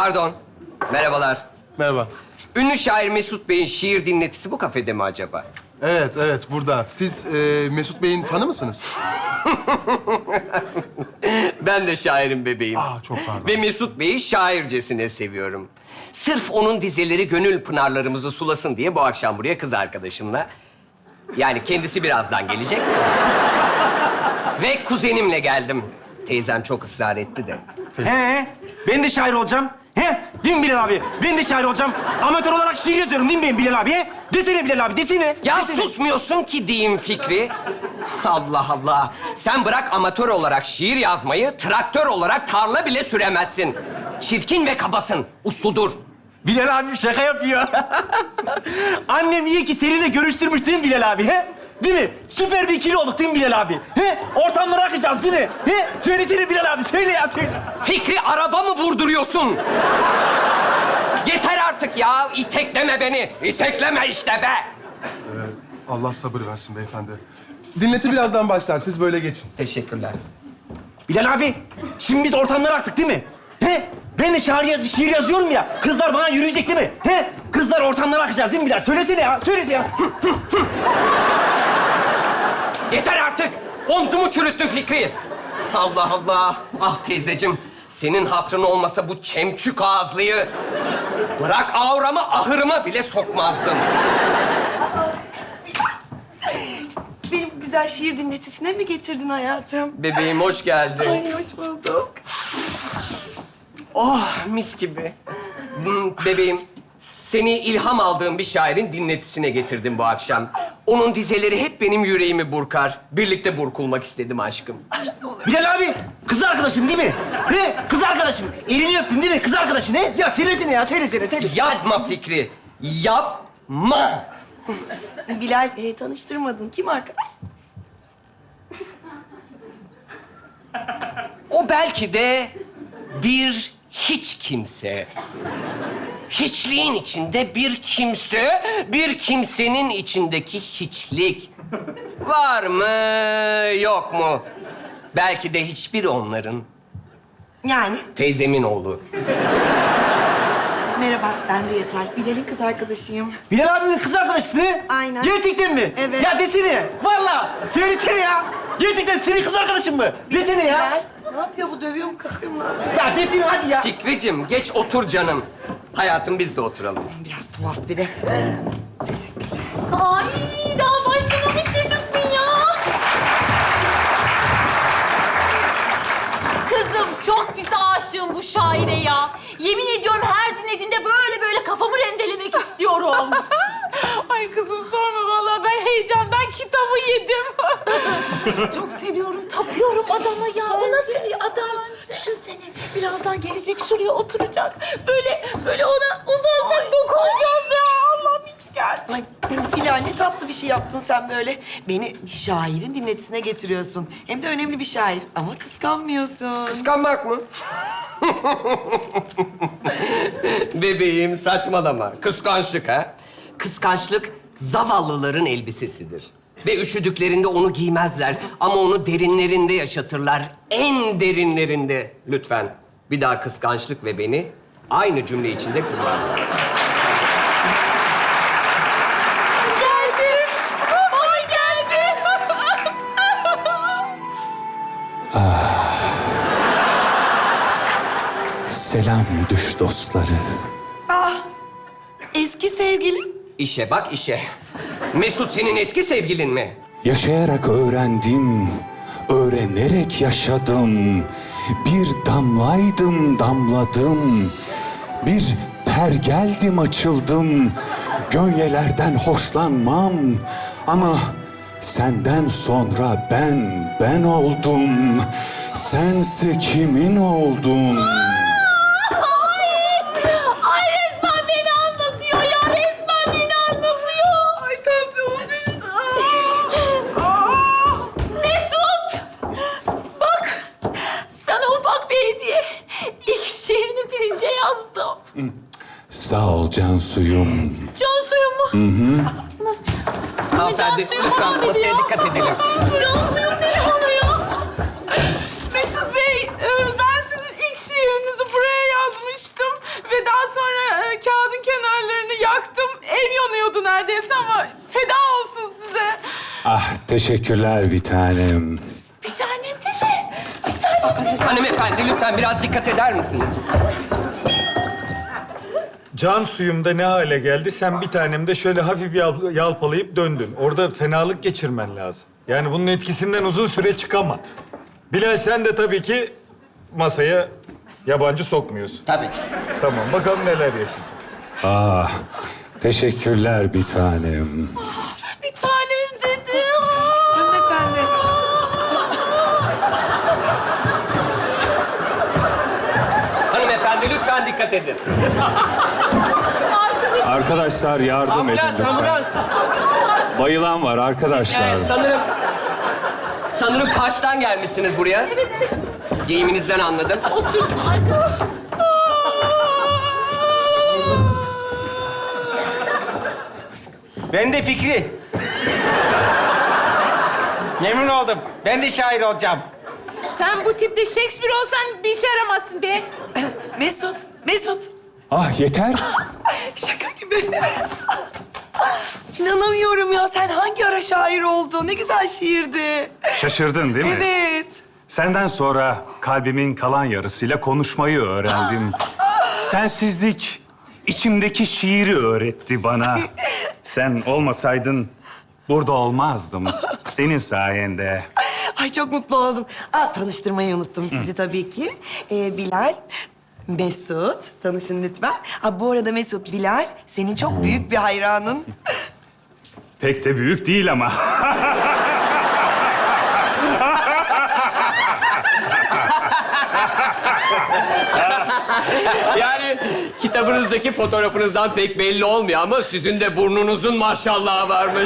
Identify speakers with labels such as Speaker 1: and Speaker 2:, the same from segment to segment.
Speaker 1: Pardon. Merhabalar.
Speaker 2: Merhaba.
Speaker 1: Ünlü şair Mesut Bey'in şiir dinletisi bu kafede mi acaba?
Speaker 2: Evet, burada. Siz Mesut Bey'in fanı mısınız?
Speaker 1: Ben de şairin bebeğim.
Speaker 2: Çok pardon.
Speaker 1: Ve Mesut Bey'i şaircesine seviyorum. Sırf onun dizeleri gönül pınarlarımızı sulasın diye bu akşam buraya kız arkadaşımla... Yani kendisi birazdan gelecek. Ve kuzenimle geldim. Teyzem çok ısrar etti de.
Speaker 3: He, ben de şair olacağım. He, değil mi Bilal abi? Ben de şair olacağım. Amatör olarak şiir yazıyorum değil mi ben Bilal abi? He? Desene Bilal abi, desene.
Speaker 1: Ya
Speaker 3: Desene.
Speaker 1: susmuyorsun ki diyeyim Fikri. Allah Allah. Sen bırak amatör olarak şiir yazmayı, traktör olarak tarla bile süremezsin. Çirkin ve kabasın. Usludur.
Speaker 3: Bilal abi şaka yapıyor. Annem iyi ki seninle görüştürmüş değil mi Bilal abi? He? Değil mi? Süper bir ikili olduk değil mi Bilal abi? He? Ortamları akacağız değil mi? He? Söylesene Bilal abi, söyle ya, söyle.
Speaker 1: Fikri, araba mı vurduruyorsun? Yeter artık ya. İtekleme beni. İtekleme işte be.
Speaker 2: Allah sabır versin beyefendi. Dinleti birazdan başlar. Siz böyle geçin.
Speaker 1: Teşekkürler.
Speaker 3: Bilal abi, şimdi biz ortamları aktık değil mi? He? Ben de şiir yazıyorum ya. Kızlar bana yürüyecek değil mi? He? Kızlar ortamları akacağız değil mi Bilal? Söylesene ya, söylesene ya.
Speaker 1: Yeter artık. Omzumu çürüttün Fikri. Allah Allah. Ah teyzeciğim. Senin hatırın olmasa bu çemçük ağızlıyı... Bırak auramı, ahırıma bile sokmazdım.
Speaker 4: Benim güzel şiir dinletisine mi getirdin hayatım?
Speaker 1: Bebeğim hoş geldin.
Speaker 4: Ay hoş bulduk.
Speaker 1: Oh mis gibi. Bebeğim, seni ilham aldığım bir şairin dinletisine getirdim bu akşam. Onun dizeleri hep benim yüreğimi burkar. Birlikte burkulmak istedim aşkım.
Speaker 3: Bilal abi, kız arkadaşın değil mi? He? Kız arkadaşın. Elini öptün değil mi? Kız arkadaşın he? Ya söylesene ya, söylesene.
Speaker 1: Yapma Fikri, yapma.
Speaker 4: Bilal tanıştırmadın. Kim arkadaş?
Speaker 1: O belki de bir hiç kimse. Hiçliğin içinde bir kimse, bir kimsenin içindeki hiçlik. Var mı, yok mu? Belki de hiçbir onların.
Speaker 4: Yani
Speaker 1: Teyzemin oğlu.
Speaker 4: merhaba ben de Yeter. Bilal'in kız arkadaşıyım.
Speaker 3: Bilal abimin kız arkadaşısın he?
Speaker 4: Aynen.
Speaker 3: Gerçekten mi?
Speaker 4: Evet.
Speaker 3: Ya desene. Vallahi. Söylesene ya. Gerçekten senin kız arkadaşın mı? Desene ya.
Speaker 4: Bilal ne yapıyor bu? Dövüyor mu, kakıyor mu? Ne yapıyor?
Speaker 3: Ya desene hadi ya.
Speaker 1: Fikricim, geç otur canım. Hayatım, biz de oturalım.
Speaker 4: Biraz tuhaf biri. Teşekkürler.
Speaker 5: Ay daha başlamamış yaşasın ya. Kızım çok pis aşığım bu şaire ya. Yemin ediyorum her dinlediğinde böyle kafamı rendelemek istiyorum.
Speaker 6: Ay kızım sorma vallahi ben heyecandan kitabı yedim.
Speaker 5: Çok seviyorum, tapıyorum adama ya. Bu nasıl bir adam? Düşünsene birazdan gelecek şuraya oturacak. Böyle ona uzansak dokunacağız ya. Allah'ım iyi ki geldin.
Speaker 4: Ay Bilal ne tatlı bir şey yaptın sen böyle. Beni bir şairin dinletisine getiriyorsun. Hem de önemli bir şair ama kıskanmıyorsun.
Speaker 1: Kıskanmak mı? Bebeğim, saçmalama. Kıskançlık ha? Kıskançlık zavallıların elbisesidir. Ve üşüdüklerinde onu giymezler ama onu derinlerinde yaşatırlar. En derinlerinde. Lütfen bir daha kıskançlık ve beni aynı cümle içinde kullanma.
Speaker 5: Geldi. Ay geldi.
Speaker 7: Selam düş dostları.
Speaker 4: Ah eski sevgilim.
Speaker 1: İşe bak işe. Mesut senin eski sevgilin mi?
Speaker 7: Yaşayarak öğrendim, öğrenerek yaşadım. Bir damlaydım, damladım. Bir pergeldim, açıldım. Gönyelerden hoşlanmam. Ama senden sonra ben oldum. Sense kimin oldun?
Speaker 5: Ay resmen beni anlatıyor ya. Resmen beni anlatıyor.
Speaker 6: Ay tansiyonum düştü.
Speaker 5: Mesut! Bak, sana ufak bir hediye. İlk şiirini pirince yazdım.
Speaker 7: Sağ ol can suyum.
Speaker 5: Can suyu mu?
Speaker 1: Hanımefendi,
Speaker 5: suyu
Speaker 1: lütfen
Speaker 5: falan dedi
Speaker 1: masaya
Speaker 5: ya.
Speaker 1: dikkat edelim.
Speaker 5: Can suyum dedi bana ya.
Speaker 6: Mesut Bey ben sizin ilk şiirinizi buraya yazmıştım. neredeyse ama feda olsun size.
Speaker 7: Ah teşekkürler bir tanem.
Speaker 5: Bir tanem dedi. Bir tanem dedi.
Speaker 1: Hanımefendi lütfen biraz dikkat eder misiniz?
Speaker 8: Can suyumda ne hale geldi? Sen bir tanem de şöyle hafif yalpalayıp döndün. Orada fenalık geçirmen lazım. Yani bunun etkisinden uzun süre çıkama. Bilal sen de tabii ki masaya yabancı sokmuyorsun.
Speaker 1: Tabii.
Speaker 8: Tamam, bakalım neler yaşayacak.
Speaker 7: Ah teşekkürler bir tanem.
Speaker 5: Bir tanem dedi.
Speaker 4: Hanımefendi.
Speaker 1: Hanımefendi lütfen dikkat edin.
Speaker 7: Arkadaşlar yardım edin
Speaker 3: Ambulans,
Speaker 7: lütfen.
Speaker 3: ambulans.
Speaker 7: Bayılan var arkadaşlar.
Speaker 1: Evet, sanırım Kaş'tan gelmişsiniz buraya.
Speaker 5: Evet, evet.
Speaker 1: Giyiminizden anladım.
Speaker 5: Oturdum arkadaşım.
Speaker 3: Ben de Fikri. Memnun oldum. Ben de şair olacağım.
Speaker 5: Sen bu tipte Shakespeare olsan bir işe yaramazsın be.
Speaker 4: Mesut.
Speaker 7: Ah yeter.
Speaker 4: Şaka gibi. İnanamıyorum ya. Sen hangi ara şair oldun? Ne güzel şiirdi.
Speaker 9: Şaşırdın değil mi?
Speaker 4: Evet.
Speaker 9: Senden sonra kalbimin kalan yarısıyla konuşmayı öğrendim. Sensizlik içimdeki şiiri öğretti bana. Sen olmasaydın burada olmazdım. Senin sayende.
Speaker 4: Ay çok mutlu oldum. Tanıştırmayı unuttum sizi tabii ki. Bilal, Mesut. Tanışın lütfen. Bu arada Mesut, Bilal senin çok büyük bir hayranın.
Speaker 9: Pek de büyük değil ama.
Speaker 1: Yani kitabınızdaki fotoğrafınızdan pek belli olmuyor ama sizin de burnunuzun maşallahı varmış.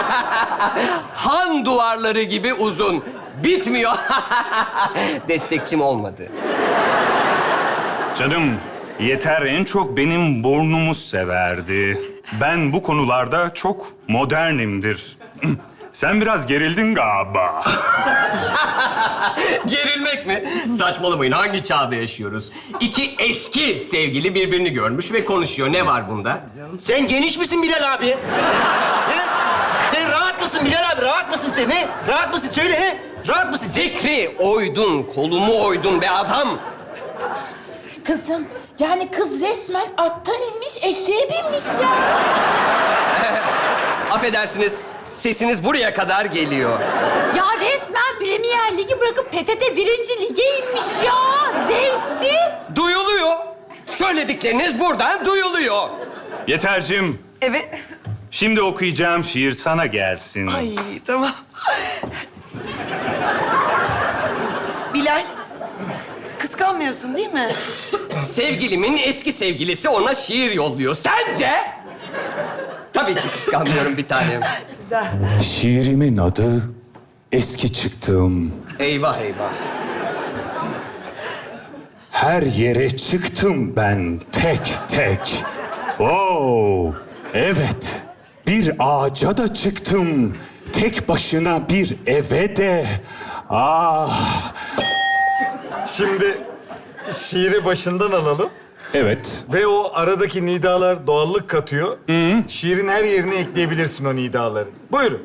Speaker 1: Han duvarları gibi uzun. Bitmiyor. Destekçim olmadı.
Speaker 9: Canım, Yeter en çok benim burnumu severdi. Ben bu konularda çok modernimdir. Sen biraz gerildin galiba.
Speaker 1: Gerilmek mi? Saçmalamayın. Hangi çağda yaşıyoruz? İki eski sevgili birbirini görmüş ve konuşuyor. Ne var bunda?
Speaker 3: Sen geniş misin Bilal abi? He? Sen rahat mısın Bilal abi? Rahat mısın sen? He? Rahat mısın? Söyle he? Rahat mısın?
Speaker 1: Zikri oydun, kolumu oydun be adam.
Speaker 5: Kızım, yani kız resmen attan inmiş, eşeğe binmiş ya.
Speaker 1: Affedersiniz, sesiniz buraya kadar geliyor.
Speaker 6: Ya resmen Premier Ligi bırakıp PTT 1. Lig'e inmiş ya. Zevksiz.
Speaker 1: Duyuluyor. Söyledikleriniz buradan duyuluyor.
Speaker 9: Yetercim,
Speaker 4: Evet.
Speaker 9: şimdi okuyacağım şiir sana gelsin.
Speaker 4: Ay tamam. Bilal, kıskanmıyorsun değil mi?
Speaker 1: Sevgilimin eski sevgilisi ona şiir yolluyor. Sence? Tabii ki kıskanmıyorum bir tanem.
Speaker 7: Şiirimin adı Eski Çıktım.
Speaker 1: Eyvah eyvah.
Speaker 7: Her yere çıktım ben tek tek. Oo, evet. Bir ağaca da çıktım. Tek başına bir eve de. Ah.
Speaker 8: Şimdi şiiri başından alalım.
Speaker 7: Evet.
Speaker 8: Ve o aradaki nidalar doğallık katıyor. Şiirin her yerine ekleyebilirsin o nidaları. Buyurun.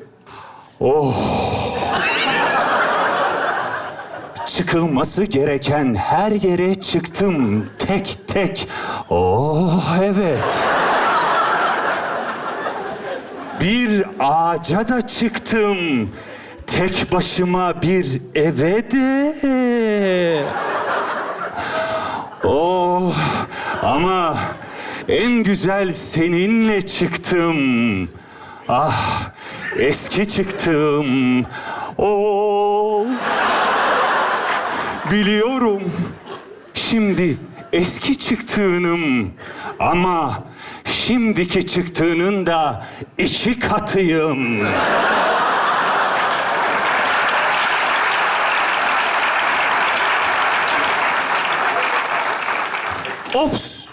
Speaker 7: Çıkılması gereken her yere çıktım tek tek. Oh evet. Bir ağaca da çıktım. Tek başıma bir eve de. Oh ama en güzel seninle çıktım. Ah eski çıktım. Oh. Biliyorum. Şimdi eski çıktığınım ama şimdiki çıktığının da 2 katıyım. Ops!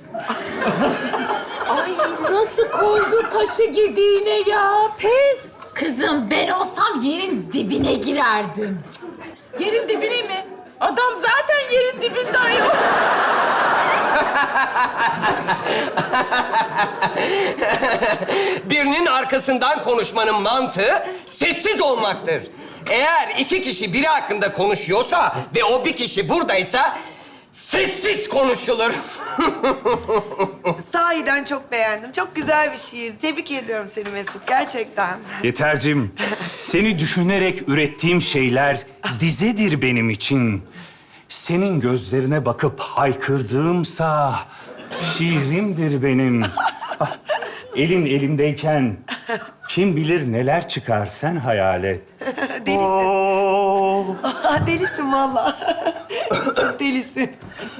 Speaker 5: Ay nasıl koydu taşı gediğine ya, pes.
Speaker 6: Kızım ben olsam yerin dibine girerdim.
Speaker 5: Yerin dibine mi? Adam zaten yerin dibinde ayol.
Speaker 1: Birinin arkasından konuşmanın mantığı sessiz olmaktır. Eğer iki kişi biri hakkında konuşuyorsa ve o bir kişi buradaysa sessiz konuşulur.
Speaker 4: Sahiden çok beğendim. Çok güzel bir şiir. Tebrik ediyorum seni Mesut, gerçekten.
Speaker 9: Yetercim, seni düşünerek ürettiğim şeyler dizedir benim için. Senin gözlerine bakıp haykırdığımsa şiirimdir benim. Ah, elin elimdeyken kim bilir neler çıkar sen hayal et.
Speaker 4: Delisin.
Speaker 9: Oo.
Speaker 4: Delisin vallahi. Çok delisin.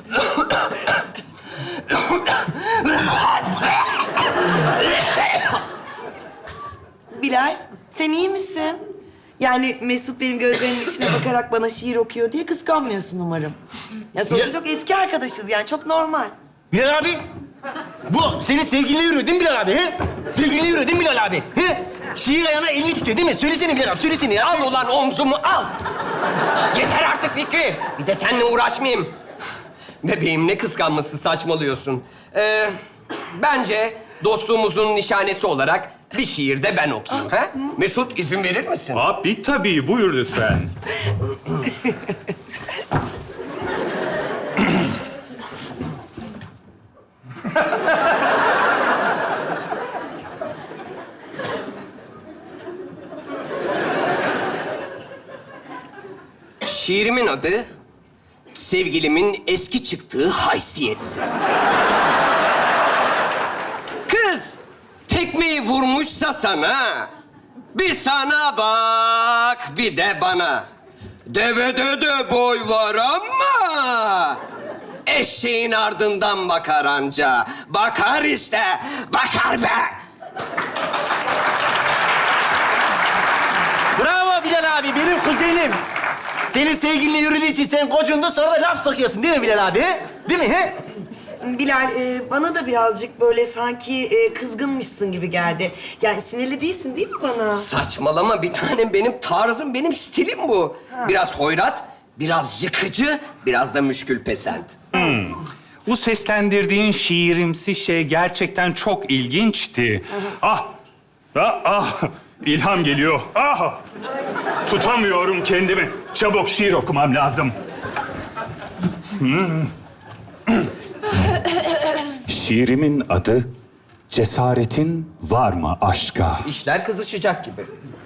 Speaker 4: Bilal, sen iyi misin? Yani Mesut benim gözlerimin içine bakarak bana şiir okuyor diye kıskanmıyorsun umarım. Ya sonuçta çok eski arkadaşız yani, çok normal.
Speaker 3: Bilal abi, bu senin sevgilinle yürüyor değil mi Bilal abi? He? Sevgilinle yürüyor değil mi Bilal abi? He? Şiir ayağına elini tutuyor değil mi? Söylesene Bilal abi, söylesene ya.
Speaker 1: Al ulan omzumu al. Yeter artık Fikri. Bir de seninle uğraşmayayım. Bebeğim ne kıskanması, saçmalıyorsun. Bence dostluğumuzun nişanesi olarak bir şiir de ben okuyayım. Ha? Mesut izin verir misin?
Speaker 9: Abi tabii, buyur lütfen.
Speaker 1: Şiirimin adı sevgilimin eski çıktığı haysiyetsiz. Kız tekmeyi vurmuşsa sana, bir sana bak bir de bana. Devede de boy var ama eşeğin ardından bakar anca. Bakar işte, bakar be.
Speaker 3: Bravo Bilal abi, benim kuzenim. Senin sevgilinle yürüdüğü için sen kocundun, sonra da laf sokuyorsun değil mi Bilal abi? He? Değil mi? He?
Speaker 4: Bilal, bana da birazcık böyle sanki kızgınmışsın gibi geldi. Yani sinirli değilsin değil mi bana?
Speaker 1: Saçmalama bir tanem, benim tarzım, benim stilim bu. Biraz hoyrat, biraz yıkıcı, biraz da müşkül pesent.
Speaker 9: Bu seslendirdiğin şiirimsi şey gerçekten çok ilginçti. İlham geliyor. Tutamıyorum kendimi. Çabuk şiir okumam lazım. Şiirimin adı Cesaretin Var mı Aşka?
Speaker 1: İşler kızışacak gibi.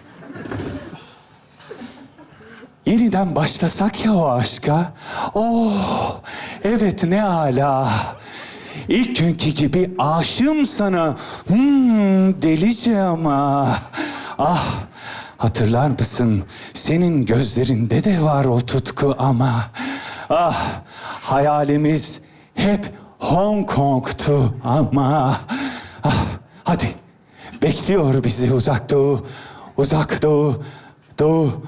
Speaker 7: Yeniden başlasak ya o aşka. Oh, evet ne âlâ. İlk günkü gibi aşığım sana. Delice ama. Ah, hatırlar mısın? Senin gözlerinde de var o tutku ama. Ah, hayalimiz hep Hong Kong'tu ama. Ah, hadi. Bekliyor bizi uzak doğu. Uzak doğu. Doğu.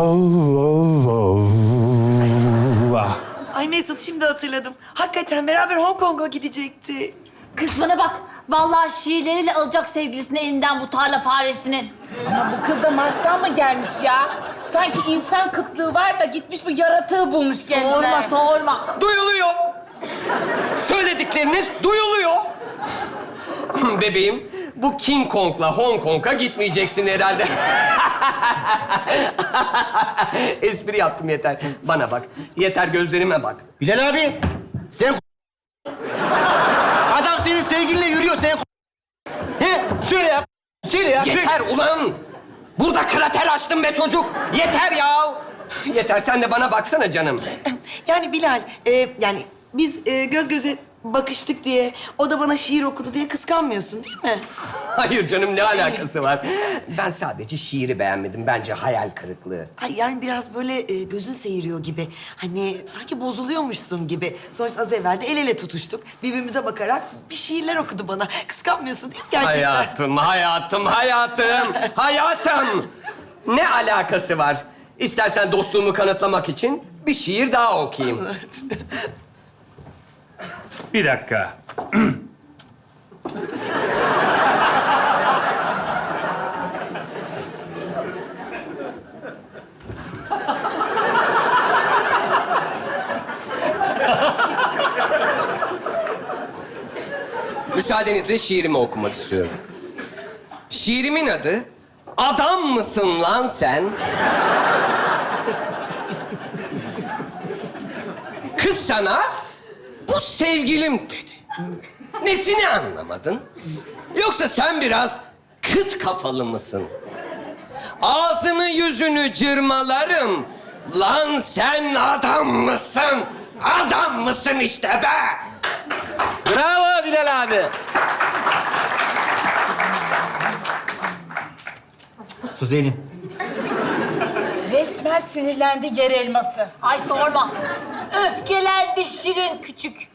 Speaker 7: Ah.
Speaker 4: Ay Mesut, şimdi hatırladım. Hakikaten beraber Hong Kong'a gidecekti.
Speaker 6: Kız bana bak. Vallahi şiirleriyle alacak sevgilisini elinden bu tarla faresinin.
Speaker 5: Ama bu kız da Mars'tan mı gelmiş ya? Sanki insan kıtlığı var da gitmiş bu yaratığı bulmuş kendine.
Speaker 6: Sorma, sorma.
Speaker 1: Duyuluyor. Söyledikleriniz duyuluyor. Bebeğim, bu King Kong'la Hong Kong'a gitmeyeceksin herhalde. Espri yaptım, yeter. Bana bak, yeter gözlerime bak.
Speaker 3: Bilal abi, sen adam senin sevgilinle yürüyor, sen He? Söyle ya, söyle ya.
Speaker 1: Yeter ulan! Burada krater açtım be çocuk. Yeter ya. Yeter, sen de bana baksana canım.
Speaker 4: Yani Bilal, yani biz göz göze bakıştık diye, o da bana şiir okudu diye kıskanmıyorsun değil mi?
Speaker 1: Hayır canım, ne alakası var? Ben sadece şiiri beğenmedim. Bence hayal kırıklığı.
Speaker 4: Ay yani biraz böyle gözün seyiriyor gibi. Hani sanki bozuluyormuşsun gibi. Sonuçta az evvel de el ele tutuştuk. Birbirimize bakarak bir şiirler okudu bana. Kıskanmıyorsun değil mi gerçekten?
Speaker 1: Hayatım. Ne alakası var? İstersen dostluğumu kanıtlamak için bir şiir daha okuyayım.
Speaker 9: Bir dakika.
Speaker 1: Müsaadenizle şiirimi okumak istiyorum. Şiirimin adı Adam mısın lan sen? Kız sana bu sevgilim dedi. Nesini anlamadın? Yoksa sen biraz kıt kafalı mısın? Ağzını yüzünü cırmalarım. Lan sen adam mısın? Adam mısın işte be?
Speaker 3: Bravo Bilal abi. Tuzelim.
Speaker 5: Resmen sinirlendi yer elması.
Speaker 6: Ay sorma. Öfkelendi şirin küçük.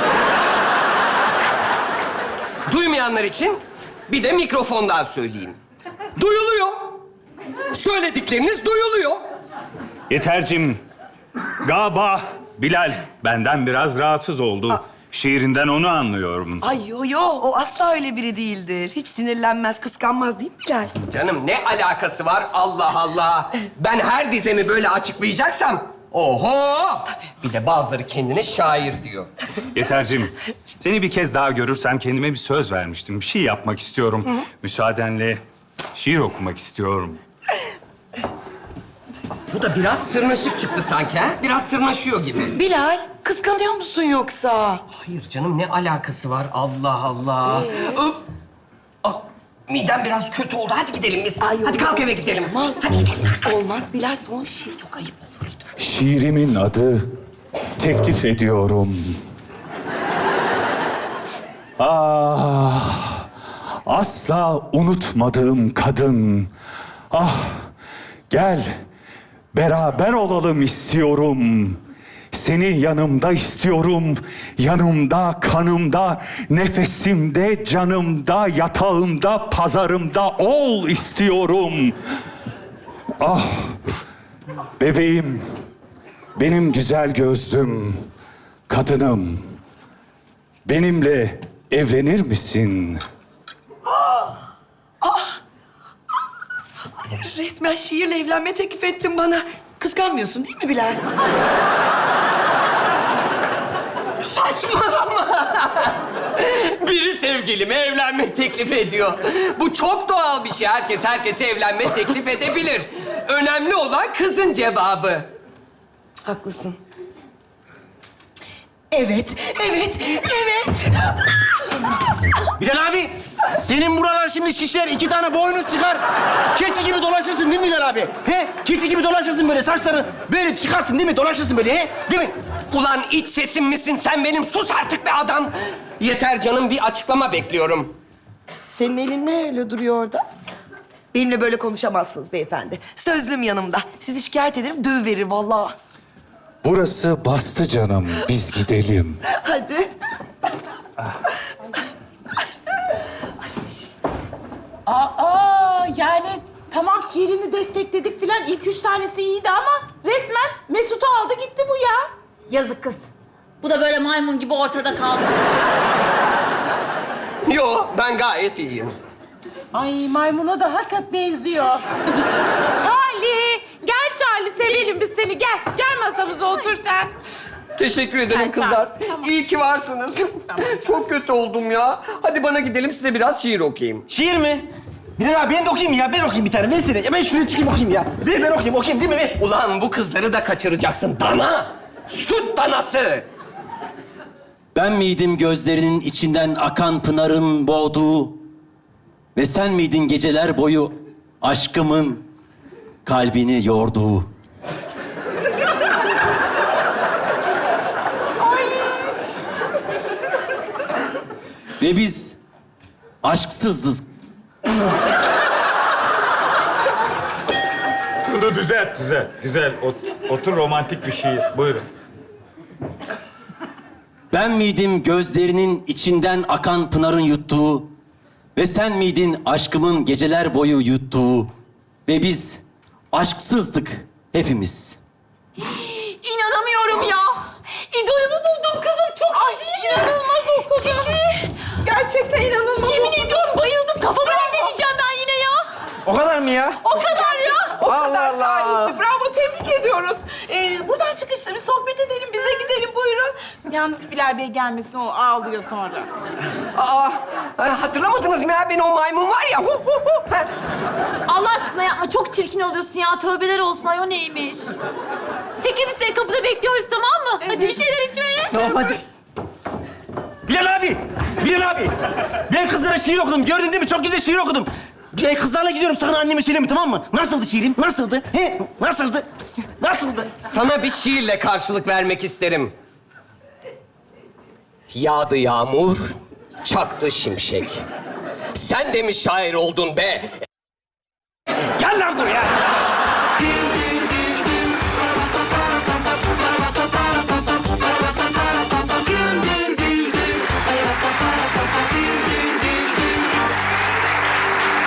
Speaker 1: Duymayanlar için bir de mikrofondan söyleyeyim. Duyuluyor. Söyledikleriniz duyuluyor.
Speaker 9: Yetercim, galiba Bilal benden biraz rahatsız oldu. Şiirinden onu anlıyorum.
Speaker 4: Ay yo, o asla öyle biri değildir. Hiç sinirlenmez, kıskanmaz değil mi Bilal?
Speaker 1: Canım ne alakası var? Allah Allah. Ben her dizemi böyle açıklayacaksam... Oho! Bir de bazıları kendine şair diyor.
Speaker 9: Yetercim, seni bir kez daha görürsem kendime bir söz vermiştim. Bir şey yapmak istiyorum. Müsaadenle şiir okumak istiyorum.
Speaker 1: Bu da biraz sırnaşık çıktı sanki ha? Biraz sırnaşıyor gibi.
Speaker 4: Bilal, kıskanıyor musun yoksa?
Speaker 1: Hayır canım ne alakası var? Allah Allah. Midem biraz kötü oldu. Hadi gidelim biz.
Speaker 4: Ay, yok,
Speaker 1: Hadi kalk
Speaker 4: yok.
Speaker 1: eve gidelim.
Speaker 4: Olmaz.
Speaker 1: Hadi gidelim.
Speaker 4: Olmaz Bilal, son şiir çok ayıp olur lütfen.
Speaker 7: Şiirimin adı teklif ediyorum. Ah, asla unutmadığım kadın. Ah, gel beraber olalım istiyorum. Seni yanımda istiyorum. Yanımda, kanımda, nefesimde, canımda, yatağımda, pazarımda ol istiyorum. Ah, bebeğim, benim güzel gözlüm, kadınım. Benimle evlenir misin?
Speaker 4: Resmen şiirle evlenme teklif ettin bana. Kıskanmıyorsun değil mi Bilal?
Speaker 1: Saçmalama. Biri sevgilime evlenme teklif ediyor. Bu çok doğal bir şey. Herkes herkese evlenme teklif edebilir. Önemli olan kızın cevabı.
Speaker 4: Haklısın. Evet.
Speaker 3: Bilal abi, senin buralar şimdi şişer, 2 tane boynuz çıkar. Keçi gibi dolaşırsın değil mi Bilal abi? He? Keçi gibi dolaşırsın böyle, saçları böyle çıkarsın değil mi? Dolaşırsın böyle, he? Değil mi?
Speaker 1: Ulan iç sesim misin sen benim? Sus artık be adam. Yeter canım, bir açıklama bekliyorum.
Speaker 4: Senin elin ne öyle duruyor orada? Benimle böyle konuşamazsınız beyefendi. Sözlüm yanımda. Sizi şikayet ederim, dövüverir vallahi.
Speaker 7: Burası bastı canım, biz gidelim.
Speaker 4: Hadi.
Speaker 5: Yani tamam şiirini destekledik filan. İlk 3 tanesi iyiydi ama resmen Mesut'u aldı gitti bu ya.
Speaker 6: Yazık kız. Bu da böyle maymun gibi ortada kaldı.
Speaker 1: Yo, ben gayet iyiyim.
Speaker 5: Ay maymuna da hakikat benziyor. Charlie, gel Charlie sevelim biz seni gel. Gel masamıza otur sen.
Speaker 1: Teşekkür ederim
Speaker 5: Gel,
Speaker 1: kızlar.
Speaker 5: tamam.
Speaker 1: İyi ki varsınız. Çok kötü oldum ya. Hadi bana gidelim, size biraz şiir okuyayım.
Speaker 3: Şiir mi? Bilal abi ben de okuyayım ya, ben okuyayım bir tane. Versene. Ya ben şuraya çıkayım okuyayım ya. Ben okuyayım değil mi? Ver.
Speaker 1: Ulan bu kızları da kaçıracaksın. Dana! Süt danası!
Speaker 10: Ben miydim gözlerinin içinden akan pınarın boğduğu ve sen miydin geceler boyu aşkımın kalbini yorduğu? Ve biz aşksızdık.
Speaker 8: Şunu düzelt. Güzel. Otur, romantik bir şiir. Buyurun.
Speaker 10: Ben miydim gözlerinin içinden akan pınarın yuttuğu ve sen miydin aşkımın geceler boyu yuttuğu ve biz aşksızdık hepimiz.
Speaker 6: İnanamıyorum ya. İdolümü buldum kızım. Çok iyi.
Speaker 5: İnanılmaz okudun. Gerçekten inanılmaz.
Speaker 6: Yemin ediyorum bayıldım. Kafamı dinleyeceğim ben yine ya.
Speaker 3: O kadar mı ya?
Speaker 6: O kadar ya.
Speaker 3: Allah Allah.
Speaker 5: Bravo, tebrik ediyoruz. Buradan çıkışta bir sohbet edelim, bize gidelim buyurun. Yalnız Bilal Bey gelmesin, o ağlıyor sonra.
Speaker 1: Aa, hatırlamadınız mı ya? Beni o maymun var ya. Hu, hu, hu. Ha.
Speaker 6: Allah aşkına yapma. Çok çirkin oluyorsun ya. Tövbeler olsun. Ay o neymiş? Fikri biz seni kapıda bekliyoruz, tamam mı? Hadi bir şeyler içmeye.
Speaker 3: Tamam hadi. Bilal abi! Bilal abi! Ben kızlara şiir okudum. Gördün değil mi? Çok güzel şiir okudum. Kızlarla gidiyorum. Sakın anneme söyleme, tamam mı? Nasıldı şiirim? Nasıldı? He? Nasıldı? Nasıldı?
Speaker 1: Sana bir şiirle karşılık vermek isterim. Yağdı yağmur, çaktı şimşek. Sen de mi şair oldun be? Gel lan buraya!